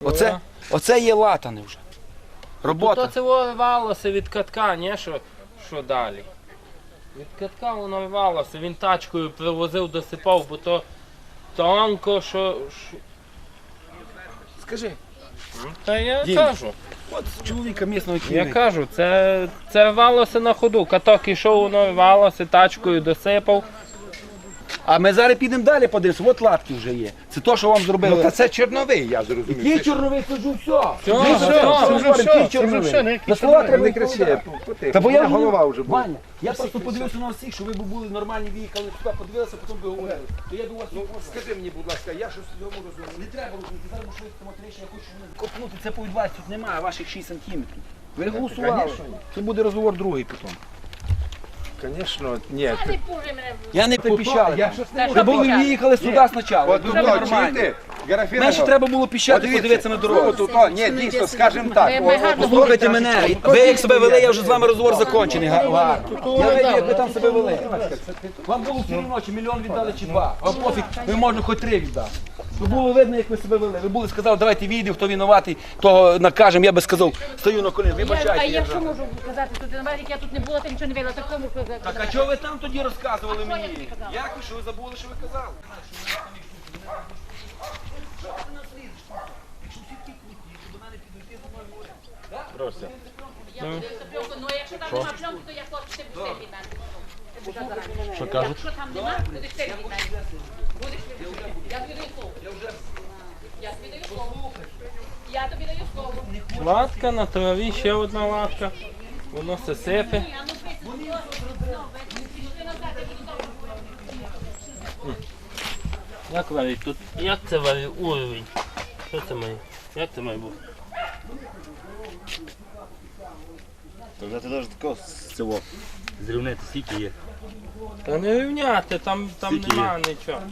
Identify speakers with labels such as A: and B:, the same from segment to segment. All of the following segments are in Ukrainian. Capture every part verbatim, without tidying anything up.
A: Оце, оце є латане вже. Робота.
B: То це вивалося від катка, ні? Що, що далі? Від катка воно вивалося, він тачкою привозив, досипав, бо то тонко, що... що...
A: Скажи.
B: Та я
A: Дім,
B: кажу.
A: От чоловіка місного
B: Я
A: кінника.
B: кажу, це, це валося на ходу. Каток ішов, воно валося, тачкою досипав.
A: А ми зараз підемо далі подивимося. От латки вже є. Це то, що вам зробили.
C: Ну, та це чорновий, я зрозумів.
A: Який чорновий, кажу, все.
B: Все,
A: Ми
B: все,
A: вже
B: це
A: говоримо,
C: вже
A: який
C: все, це
A: чорновий.
C: вже все, не який
A: На слова треба
C: Не
A: не
C: кричи,
A: кричати.
C: потихо.
A: Та бо я
C: голова вже була.
A: Ваня, я просто подивився на всіх, що ви б були нормальні, виїхали сюди, подивилися, потім би говорили. То я до вас не можу.
C: Скажи мені, будь ласка, я щось в цьому розумію.
A: Не треба розуміти, зараз ми швидко матеріше, я хочу щоб ви копнути, це по вас тут немає ваших шість сантиметрів. Ви голосували.
C: Конечно.
A: Це буде розговор другий потім.
C: Звісно, ні.
A: Я не припіщали.
C: Я щось не
A: Ви
C: можу.
A: були виїхали сюди спочатку.
C: От
A: Ви
C: тут,
A: були
C: от,
A: нормальні.
C: чуєте, Герафіна,
A: Менше треба було піщати,
C: подивіться,
A: подивитися на дорогу.
C: Тут, о, ні, дійсно, скажімо так. о, о,
A: Послухайте мене, ви як себе вели, я вже з вами розговор закончений. Гарно. Я видів, як ви там себе вели. Вам було все одно, чи мільйон віддали, чи два. Вам пофіг, ви можна хоч три віддати. Ви було видно, як ви себе вели. Ви були сказали, давайте відео, хто винуватий, того накажемо. Я би сказав, стою на коліна,
D: Я, а
A: вибачайте.
D: я що можу казати? Тут як я тут не була, то нічого не вела. Так кому казати?
A: Так а чого ви там тоді розказували
D: А що я
A: мені?
D: тобі казала?
A: Як ви, що ви забули, що ви казали?
D: Я подивився пленку, ну якщо там нема пленки, то я хочу, ти будеш від мене. Ти будеш зарані.
A: Що кажуть?
D: Якщо там нема, будеш ти від мене. Будеш ти від мене. Я тобі даю слово. Я тобі даю слово. Я тобі даю слово.
B: Латка на траві, ще одна латка. Воно все сипе.
D: Ні, а ну писати. Ну, ти назад, я буду добре.
B: Як варить тут? Як це варить уровень? Що це має? Як це має бути?
E: Вже ти навіть такого з цього зрівняти скільки є.
B: Та не рівняти, там, там
E: Скільки
B: нема нічого.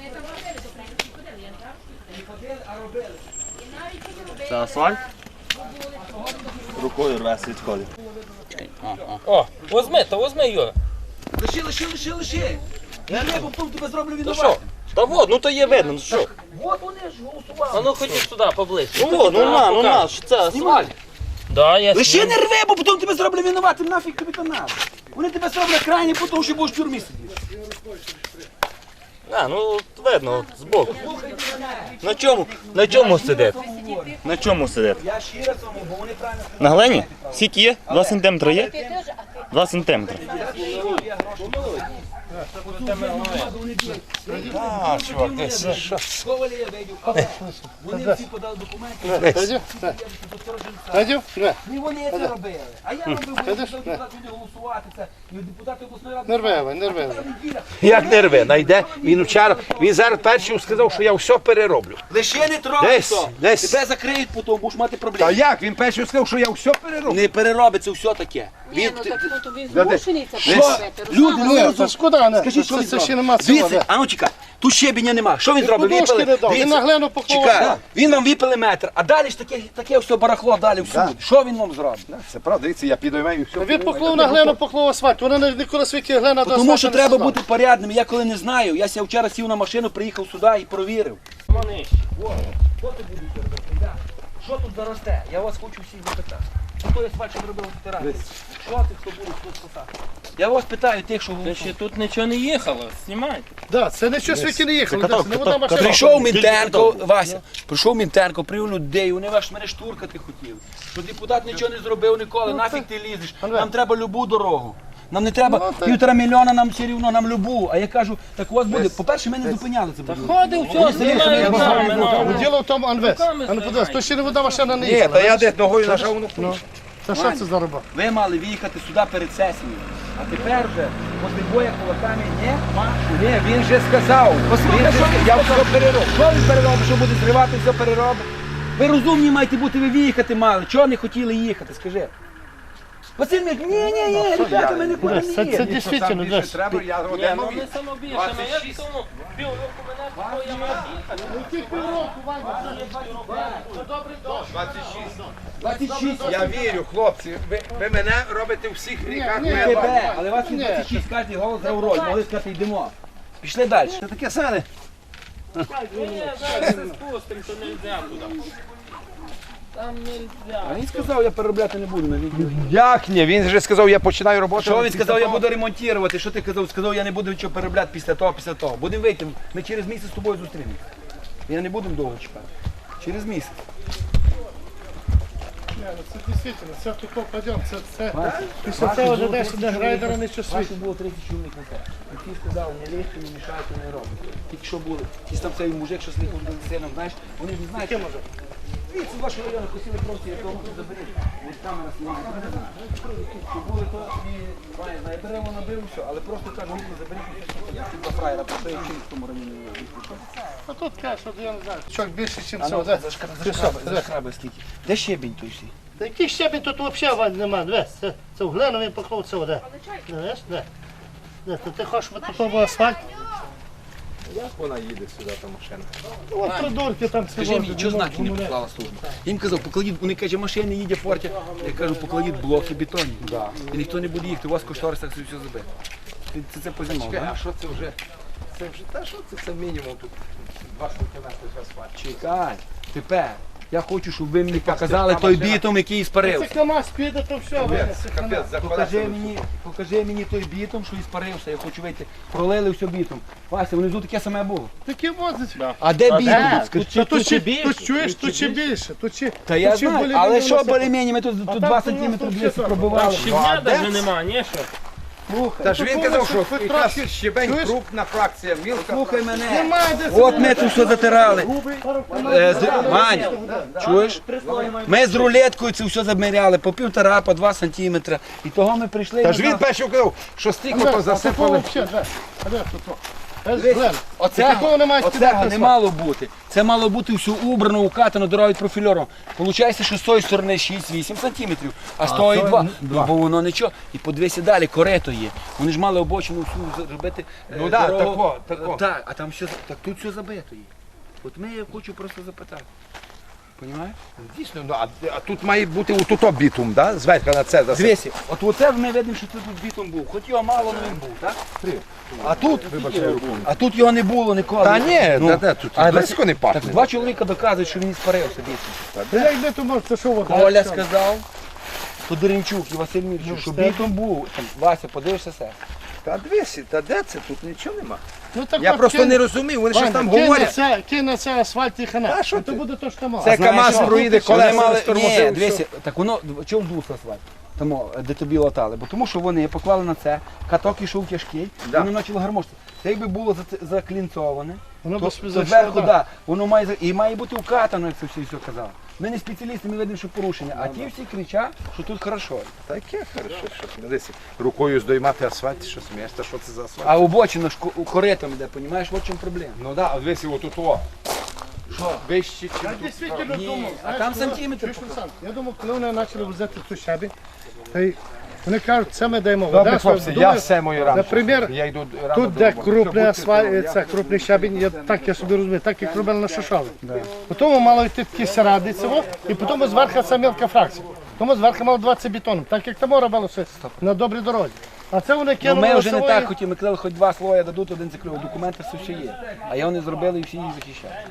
E: Це асфальт? Рукою рве відходить.
B: О, возьми, то возьми, Юра.
A: Лиши, лиши, лиши, лиши. Я не потім тебе зроблю
B: То
A: винуватим.
B: що? Та вот, ну то є видно, ну що?
A: От вони ж голосували.
B: А ну ходіть сюди, поближче.
E: Ну, ну на, ну на, що це асфальт?
B: Да, я
A: Лише
B: зніму.
A: не рви, бо потім тебе зроблю винуватим, нафіг тобі то надо. Вони тебе зроблять крайні, тому що будеш в тюрмі сидіти.
E: А, ну от видно, от збоку. На чому? На чому сидить? На чому сидить?
A: Я щиро цьому, бо вони правильно
E: На глині? Скільки є? Два сантиметри є? Два сантиметри. А, чувак, десь.
A: сховали, я вийду. Вони всі подали документи.
C: Дядю? Не.
A: Не вони це робили. А я робив, бо депутати люди голосувати це. І депутати обласної ради.
C: Нервеве, нервеве.
F: Як не рве, найде. Він вчора, він зараз перший сказав, що я все перероблю.
A: Лише не трогай
F: Десь,
A: то.
F: десь.
A: Тебе закриють потім, будеш мати
C: Та
A: проблеми.
C: як? Він перший сказав, що я все перероблю.
A: Не переробиться все таке.
D: Ні,
A: Він,
D: ну так хто тобі
C: Да де?
D: змушений це
A: що?
D: робити?
A: Люди, ну
C: Ні,
A: не
C: це шкода, не.
A: Скажіть, що
C: Це-
A: він
C: це ще
A: зробив?
C: нема цього,
A: Дивіться,
C: де.
A: а ну чекай, тут щебеня нема. Що він зробив?
C: подушки
A: Випили-
C: не дав, він
A: Дивіться,
C: на глину поклав
A: чекай,
C: асфальт.
A: він нам випили метр, а далі ж таке, таке все барахло далі всюди. Що він нам зробить?
C: Це правда, дивіться, я піду і все. Він поклав на глину, поклав асфальт. Вона не ніколи свіки глина до
A: Тому
C: асфальту
A: що
C: не
A: треба
C: стала.
A: бути порядним. Я коли не знаю, я ся вчора сів на машину, приїхав сюди і провірив.
B: Вони.
A: Що ти будеш робити? Да. Що тут заросте? Я вас хочу всіх запитати. Хто я свальчик робив фотографії? Що ти, хто буде тут спасати? Я вас питаю тих, що
B: Та
A: голосують.
B: ще тут нічого не їхало, знімайте.
C: Да, це нічого світі не їхало.
E: каток,
C: це не вода машина.
A: Прийшов Мінтенко, Вася, прийшов Мінтенко, привів людей, вони ваш мене штуркати хотіли. Що депутат нічого не зробив ніколи, нафіг ти лізеш, нам треба любу дорогу. Нам не треба
C: Ну, так.
A: півтора мільйона, нам все рівно, нам любу. А я кажу, так у вас буде, по-перше, ми не зупиняли це. буде.
B: Ходив, все, знімає руками, ну.
C: Діло в тому Анвес.
B: Руками
C: А ну подивись,
B: знімай.
C: то ще не вода машина не
F: Ні,
C: їхала.
F: та я десь ногою нажав, воно
C: Ну, це що це за роба?
A: Ви мали виїхати сюди перед сесією. А тепер вже, після боя кулаками, не машу.
F: Ні, він же сказав.
A: Послухай,
F: Він же
A: що
F: сказав,
A: він
F: я
A: сказав.
F: все перероблю.
A: Що він переробить, що буде зривати, все переробить? Ви розумні маєте бути, ви виїхати мали. Чого не хотіли їхати, скажи? Василь Мик, ні, ні, ні, ребята, ми нікуди
C: Це,
A: не
C: це
A: їдемо.
C: дійсно,
F: Там більше
C: десь.
F: треба, я
B: Ні,
F: один
B: ну
F: нові.
B: не самобільше, ну як тому півроку мене було, я мав їхати.
A: двадцять шість.
F: Я вірю, хлопці. Ви, ви мене робите у всіх ріках.
C: ні,
F: моя
C: ні,
F: бабуся.
A: Тебе, але вас двадцять шість, кожен голос грав роль. Могли сказати, йдемо. Пішли далі. Це таке саме.
B: Ні, ні, зараз се спустимо, то не йдемо туди. Там нельзя.
A: А він сказав, я переробляти не буду на відео.
F: Як ні? Він же сказав, я починаю роботу.
A: Що він сказав, я буду ремонтувати? Що ти казав? Сказав, я не буду нічого переробляти після того, після того. Будемо вийти. Ми через місяць з тобою зустрінемося. Я не буду довго чекати. Через місяць.
C: Ні, ну це дійсно, це тут попадемо, це, це, після цього вже десь де грейдера не щось
A: Ваших було тридцять чоловік на те. І ті сказав, не лізьте, не мішайте, не робите. Тільки що були. Ті там цей мужик, що слухав за сином, знаєш, вони ж не знають.
C: Яке може?
A: Звідси з вашого району хотіли просто, я того заберіть. Ось камера знімає, не знаю. Що були то і, має, знає, дерево набив, все, але просто кажу, ну заберіть, і все. Я ці два фраєра, просто я вчив в тому районі.
C: А тут каже, що я не знаю. Чок більше, ніж
A: А
C: це.
A: ну,
C: де?
A: зашкраби, зашкраби скільки. Де щебінь той всі?
C: Та який щебінь тут взагалі Вань, нема, дивись, це, це в глину він поклав цього, де? Знаєш, де? Де, то ти хочеш, щоб тут був асфальт?
F: Як вона їде сюди, та машина?
C: Ну, от придурки там всі
A: Скажи мені,
C: возять,
A: чого
C: не
A: знаки не
C: можуть
A: поклала служба? Я їм казав, покладіть, вони кажуть, машини їде форті. Я кажу, покладіть блоки бетонні. І ніхто не буде їхати, у вас в кошторисах все забито. Ти це, це позимав,
F: Чекай,
A: так?
F: а що це вже? Це вже та що це? Це мінімум тут два сантиметри асфальт.
A: Чекай, тепер. Я хочу, щоб ви мені
F: Яка
A: показали
F: це
A: той
F: машина?
A: бітум, який
C: Це
A: іспарився.
C: КамАЗ піде, то все, Ваня,
F: Капець,
C: це
F: капець,
C: КамАЗ.
F: за
A: Покажи
F: колесами.
A: мені, покажи мені той бітум, що іспарився. Я хочу вийти. Пролили все бітум. Вася, внизу таке саме було.
C: Такі возять.
A: А де бітум?
C: Де?
A: Скажи.
C: Тут, тут, ще-
B: більше,
C: тут чуєш, тут ще більше. Тут ще,
A: Та я
C: тут ще
A: знаю,
C: более-менее
A: але що
C: воно все-
A: более-менее, ми тут,
C: А
A: тут
C: там
A: два
C: то у нас
A: сантиметри
C: тут
A: двісті
C: все
A: пробивали.
B: Щебня
F: де?
B: навіть нема, ні що?
A: Слухай,
F: Та ж він казав, що
C: Тут
F: якраз
C: трохи-
F: щебень
C: чуєш?
F: крупна фракція, мілка.
A: слухай мене.
C: Немає де
A: От ми тут все затирали. Е, з- Ваня, чуєш? Ми з рулеткою це все заміряли по півтора, по два сантиметра. І того ми прийшли.
F: Та
A: і
F: ж він
A: на-
F: перший казав, що стільки
C: Де?
F: то
C: А такого
F: засипали.
C: взагалі, де? А де тут? о? Без
A: Дивись,
C: глин.
A: Оцього,
C: Такого немає
A: оцього
C: спідати
A: не
C: асфальт.
A: мало бути. Це мало бути все убрано, укатано, дорогою профільором. Получається, що з тої сторони шість-вісім сантиметрів, а з тої два. Ну, бо воно нічого. І подивися далі, корито є. Вони ж мали обочину всю зробити. е,
F: Ну да,
A: дорогу.
F: тако, тако.
A: Так, а там все, так тут все забито є. От ми я хочу просто запитати. Понімаєш?
F: Дійсно, ну, а, а тут має бути отуто бітум, да? Зверху на це засипати.
A: Дивися, от оце ми видимо, що тут бітом був. Хоч його мало, але він був, так? А тут, а тут його не було ніколи.
F: Та ні,
A: Ну,
F: та, та, тут
A: а
F: близько не
A: Так
F: пахне.
A: два чоловіка доказують, що він спарився бітом.
C: Та як де тут може, це що вода?
A: Коля сказав, Тодоренчук і Василь Мірчук, що
C: встиг.
A: бітом був. Там, Вася, подивишся все.
F: Та дивися, та де це? Тут нічого нема.
C: Ну, так
F: Я
C: от
F: просто
C: кинь-
F: не розумів, вони щось
C: Ваня,
F: там
C: кинь на
F: говорять.
C: це- Кинь на це асфальт і хана.
F: А що
C: І то
F: ти?
C: буде то, що мало.
F: Це
A: Знаєш,
F: КамАЗ
A: що?
F: проїде,
A: Вони
F: колеса
A: мали-
F: не стормозив,
A: Ні,
F: все.
A: дивися, так воно, чому здулося асфальт? Тому, де тобі латали, бо тому що вони поклали на це, каток ішов тяжкий,
F: Да.
A: вони почали гармошити. Це якби було за- заклінцоване,
C: Воно
A: то,
C: без
A: то
C: зайшло,
A: зверху,
C: да.
A: да, воно має, за- і має бути укатано, як це всі все казали. Ми не спеціалісти, ми видимо, що порушення, а ті всі кричать, що тут хорошо.
F: Таке хорошо, що ти дивися. Рукою здоймати асфальт, що смієш, та що це за асфальт?
A: А обочина ж ко- коритом іде, розумієш, от в чому проблема.
F: Ну да, от дивися, отут о.
A: Що?
F: Вище, чим
C: Я
F: тут.
C: дійсно
A: Ні,
C: думав,
A: а
C: знаєш,
A: там
C: коли-
A: сантиметр
C: чуєш,
A: показав.
C: Олександр, я думав, коли вони почали возити цю щабі, та й вони кажуть, це ми даємо
F: Добре,
C: вода.
F: хлопці, я
C: думаю,
F: все мої рано.
C: Наприклад,
F: я йду рано
C: Тут,
F: до
C: де
F: роботи.
C: крупний
F: Все,
C: асфальт,
F: будьте
C: це крупний щебінь, я, так я собі розумію, так як робили на Шишові. Потім мало йти такі саради цього, і потім зверху ця мілка фракція. Тому зверху мало двадцять бетоном, так як там робилося на добрій дорозі. А це вони
A: Ну,
C: кинули
A: ми вже не
C: лосової-
A: так хотіли, ми казали, хоч два слоя дадуть, один закрив, документи все ще є. А я вони зробили і всі їх захищають.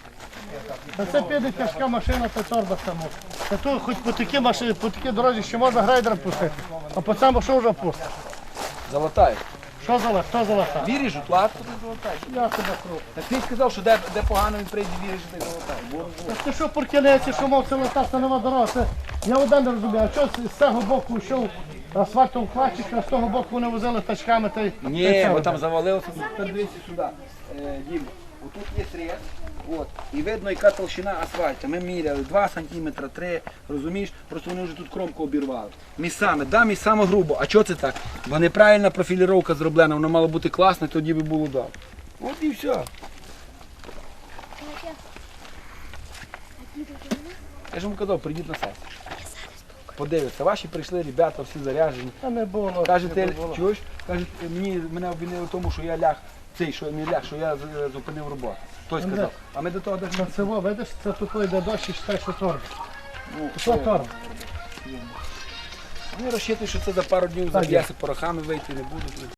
C: Та це піде тяжка машина, та торба там. Та то хоч по такій машині, по такій дорозі ще можна грейдером пустити. А по цьому що вже пустити?
A: Залатають.
C: Що за лак? Хто за лака?
A: Віриш, латку не залатають.
C: Я тебе кру.
A: Так ти сказав, що де, де погано він прийде, віриш, що ти залатаєш. Бо-
C: Та ти що поркелеці, що мов це летати нема дорога? Це... Я один не розумію, а що з з цього боку йшов асфальтом хватчик, а з того боку вони возили тачками та й... та й
A: Ні,
C: це
A: бо
C: робили.
A: там завалилося. Тепер дивися сюди, е, Дім. Отут є срез, от, і видно, яка толщина асфальту. Ми міряли два сантиметри, три, розумієш? Просто вони вже тут кромку обірвали. Місцями, да, місцями грубо. А чого це так? Бо неправильна профіліровка зроблена, воно мало бути класно, тоді би було добре. От і все. Я ж вам казав, прийдіть на сесію. Подивіться, ваші прийшли, ребята, всі заряджені.
C: Та не було.
A: Кажете,
C: не було.
A: чуєш? Кажуть, мені мене обвинили в тому, що я ляг, цей, що не ляг, що я з- зупинив роботу. Той сказав. А ми до того
C: Та
A: дійшли.
C: це, во, видиш, це тут йде дощ і читай, що торба.
A: Ну,
C: Що торба?
A: Вони розчитують, що це за пару днів
C: Так,
A: зав'яси порохами вийти не будуть.